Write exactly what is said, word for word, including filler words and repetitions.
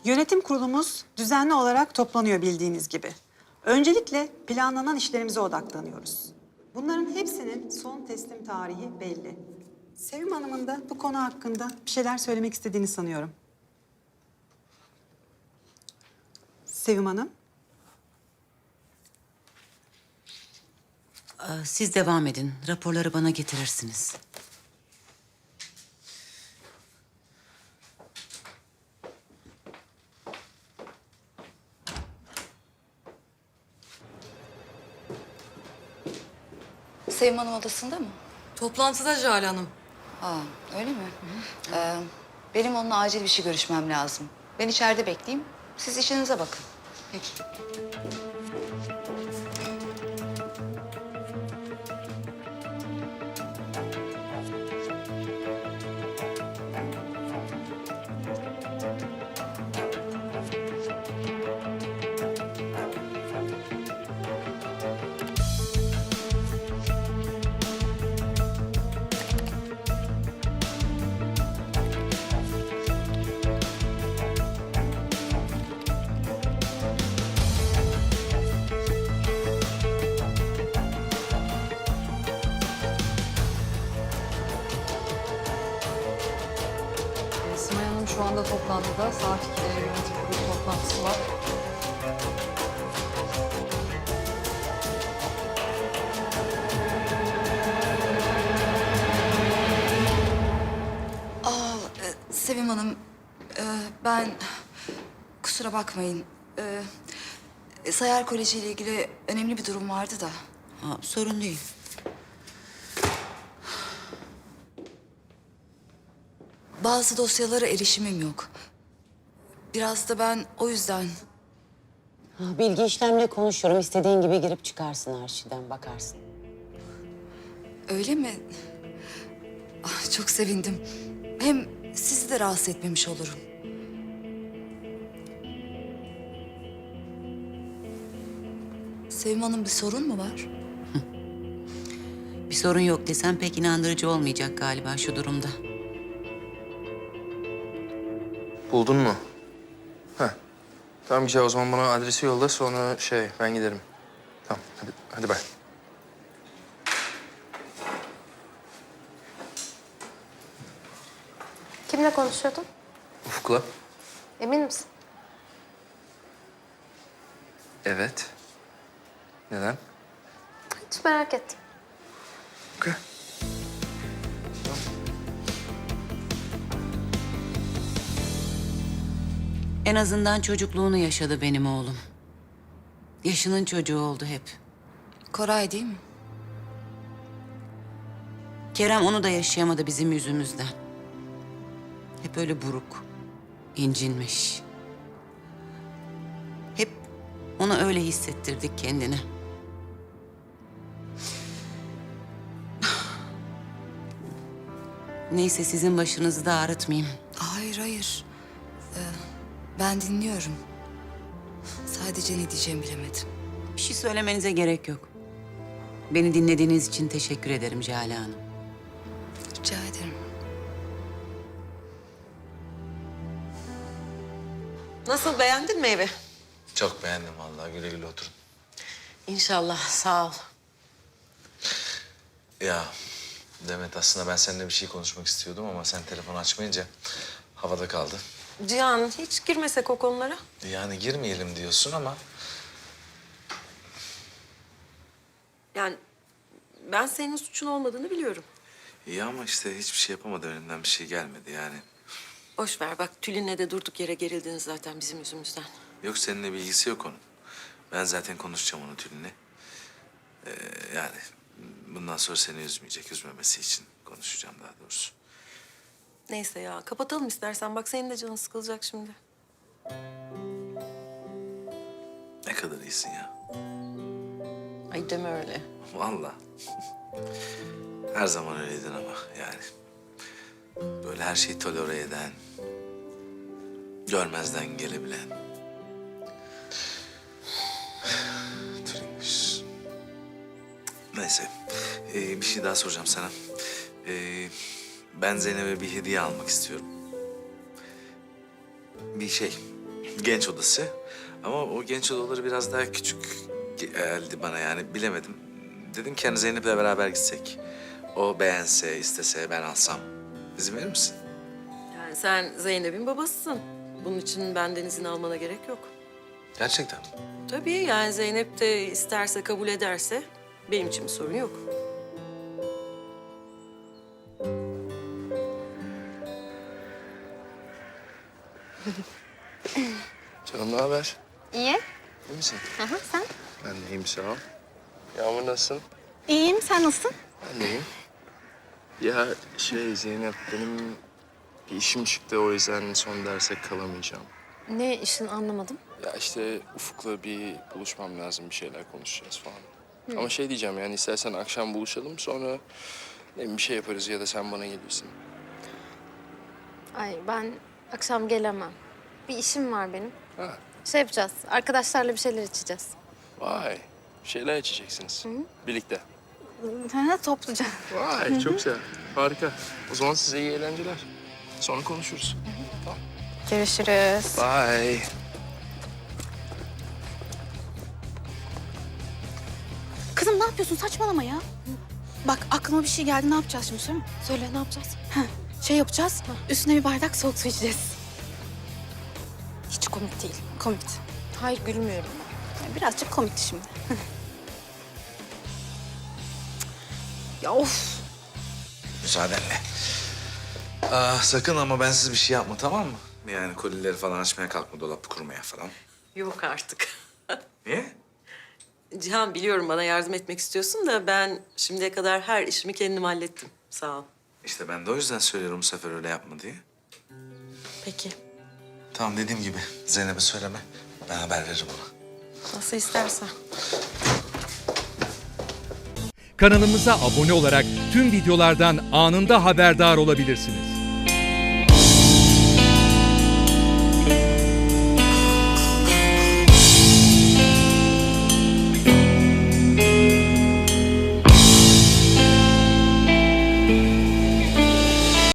Yönetim kurulumuz düzenli olarak toplanıyor bildiğiniz gibi. Öncelikle planlanan işlerimize odaklanıyoruz. Bunların hepsinin son teslim tarihi belli. Sevim Hanım'ın da bu konu hakkında bir şeyler söylemek istediğini sanıyorum. Sevim Hanım. Ee, Siz devam edin. Raporları bana getirirsiniz. Sevim Hanım odasında mı? Toplantıda Jale Hanım. Aa, öyle mi? Ee, benim onunla acil bir şey görüşmem lazım. Ben içeride bekleyeyim. Siz işinize bakın. Peki. Ee, Simay Hanım şu anda toplantıda. Saat ikide yönetim kurulu toplantısı var. Aa, e, Sevim Hanım, e, ben kusura bakmayın. E, Sayar Koleji ile ilgili önemli bir durum vardı da. Ha, sorun değil. Bazı dosyalara erişimim yok. Biraz da ben o yüzden... Ha, bilgi işlemle konuşuyorum. İstediğin gibi girip çıkarsın arşivden, bakarsın. Öyle mi? Ah, çok sevindim. Hem sizi de rahatsız etmemiş olurum. Sevim Hanım, bir sorun mu var? Bir sorun yok desem pek inandırıcı olmayacak galiba şu durumda. Buldun mu? Heh. Tamam güzel, o zaman bana adresi yolla, sonra şey ben giderim. Tamam hadi, hadi bay. Kimle konuşuyordun? Ufuk'la. Emin misin? Evet. Neden? Hiç merak ettim. Okey. En azından çocukluğunu yaşadı benim oğlum. Yaşının çocuğu oldu hep. Koray değil mi? Kerem onu da yaşayamadı bizim yüzümüzden. Hep öyle buruk, incinmiş. Hep ona öyle hissettirdik kendini. Neyse sizin başınızı da ağrıtmayayım. Hayır, hayır. Ee, ben dinliyorum. Sadece ne diyeceğimi bilemedim. Bir şey söylemenize gerek yok. Beni dinlediğiniz için teşekkür ederim Jale Hanım. Rica ederim. Nasıl, beğendin mi evi? Çok beğendim vallahi, güle güle oturun. İnşallah, sağ ol. Ya Demet, aslında ben seninle bir şey konuşmak istiyordum ama sen telefonu açmayınca havada kaldı. Cihan, hiç girmesek o konulara. Yani girmeyelim diyorsun ama Yani ben senin suçun olmadığını biliyorum. iyi, ama işte hiçbir şey yapamadı, önünden bir şey gelmedi yani. Boş ver bak, Tülin'le de durduk yere gerildiniz zaten bizim yüzümüzden. Yok, seninle bir ilgisi yok onun. Ben zaten konuşacağım onu Tülin'le. Ee, yani bundan sonra seni üzmeyecek, üzmemesi için konuşacağım daha doğrusu. Neyse ya, kapatalım istersen. Bak senin de canın sıkılacak şimdi. Ne kadar iyisin ya. Ay deme öyle. Vallahi. Her zaman öyleydin ama yani. Böyle her şeyi tolere eden, görmezden gelebilen. Tülinmiş. Neyse, ee, bir şey daha soracağım sana. Ee, ben Zeynep'e bir hediye almak istiyorum. Bir şey, genç odası. Ama o genç odaları biraz daha küçük geldi bana yani bilemedim. Dedim ki hani Zeynep'le beraber gitsek. O beğense, istese ben alsam. İzin verir misin? Yani sen Zeynep'in babasısın. Bunun için benden izin almana gerek yok. Gerçekten. Tabii yani Zeynep de isterse, kabul ederse benim için bir sorun yok. Canım ne haber? İyi. İyi misin? Aha, sen? Ben de iyiyim sağ ol. Yağmur nasılsın? İyiyim. Sen nasılsın? Ben de iyiyim. Ya şey Zeynep benim bir işim çıktı o yüzden son derse kalamayacağım. Ne işin anlamadım. Ya işte Ufuk'la bir buluşmam lazım bir şeyler konuşacağız falan. Ama şey diyeceğim yani istersen akşam buluşalım sonra ne bileyim, bir şey yaparız ya da sen bana gelirsin. Ay ben akşam gelemem. Bir işim var benim. Ha, Şey yapacağız. Arkadaşlarla bir şeyler içeceğiz. vay bir şeyler içeceksiniz birlikte. Ha, topluca. Vay çok güzel harika. O zaman size iyi eğlenceler. Sonra konuşuruz. Tamam. Görüşürüz. Bye. Kızım ne yapıyorsun? Saçmalama ya. Bak aklıma bir şey geldi. Ne yapacağız şimdi söyle. Söyle ne yapacağız? Şey yapacağız. Üstüne bir bardak soğuk su içeceğiz. Hiç komik değil. Komikti. Hayır gülmüyorum. Yani birazcık komikti şimdi. Ya of. Müsaadenle. Aa, sakın ama bensiz bir şey yapma tamam mı? Yani kolileri falan açmaya kalkma, dolap kurmaya falan. Yok artık. Niye? Cihan biliyorum bana yardım etmek istiyorsun da ben şimdiye kadar her işimi kendim hallettim. Sağ ol. İşte ben de o yüzden söylüyorum bu sefer öyle yapma diye. Peki. Tamam dediğim gibi Zeynep'e söyleme. Ben haber veririm ona. Nasıl istersen. Kanalımıza abone olarak tüm videolardan anında haberdar olabilirsiniz.